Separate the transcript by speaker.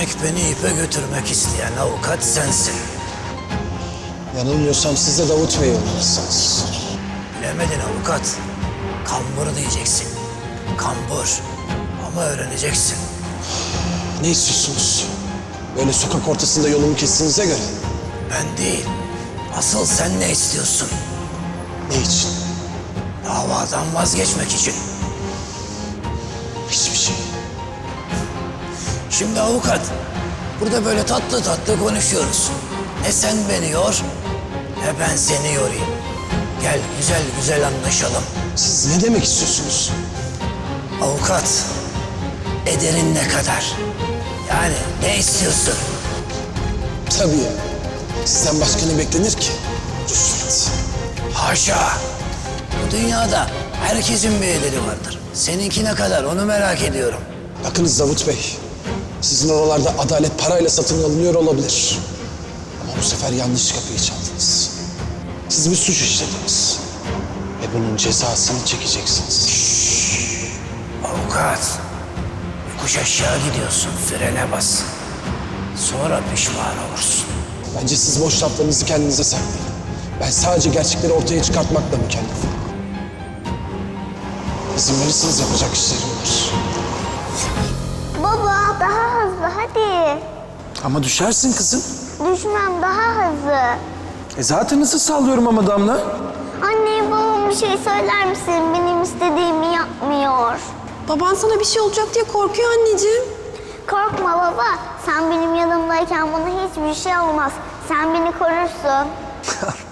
Speaker 1: Demek beni ipe götürmek isteyen avukat sensin.
Speaker 2: Yanılmıyorsam siz de Davut Bey'i olmalısınız.
Speaker 1: Bilemedin avukat. Kambur diyeceksin. Kambur. Ama öğreneceksin.
Speaker 2: Ne istiyorsunuz? Böyle sokak ortasında yolumu kestiğinize göre.
Speaker 1: Ben değil. Asıl sen ne istiyorsun?
Speaker 2: Ne için?
Speaker 1: Davadan vazgeçmek için.
Speaker 2: Hiçbir şey.
Speaker 1: Şimdi avukat, burada böyle tatlı tatlı konuşuyoruz. Ne sen beni yor, ne ben seni yorayım. Gel güzel güzel anlaşalım.
Speaker 2: Siz ne demek istiyorsunuz?
Speaker 1: Avukat, ederin ne kadar? Yani ne istiyorsun?
Speaker 2: Tabii ya. Sizden başka ne beklenir ki? Rüşvet.
Speaker 1: Haşa! Bu dünyada herkesin bir ederi vardır. Seninki ne kadar onu merak ediyorum.
Speaker 2: Bakınız Davut Bey. Sizin oralarda adalet parayla satın alınıyor olabilir. Ama bu sefer yanlış kapıyı çaldınız. Siz bir suç işlediniz. Ve bunun cezasını çekeceksiniz.
Speaker 1: Avukat, yokuş aşağı gidiyorsun, frene bas. Sonra pişman olursun.
Speaker 2: Bence siz boş laflarınızı kendinize saklayın. Ben sadece gerçekleri ortaya çıkartmakla mükellefim. İzin verirseniz yapacak işlerim var.
Speaker 3: Baba daha hızlı hadi.
Speaker 4: Ama düşersin kızım.
Speaker 3: Düşmem daha hızlı.
Speaker 4: Zaten hızlı sallıyorum ama Damla.
Speaker 3: Anneye babama bir şey söyler misin? Benim istediğimi yapmıyor.
Speaker 5: Baban sana bir şey olacak diye korkuyor anneciğim.
Speaker 3: Korkma baba. Sen benim yanımdayken bana hiçbir şey olmaz. Sen beni korursun.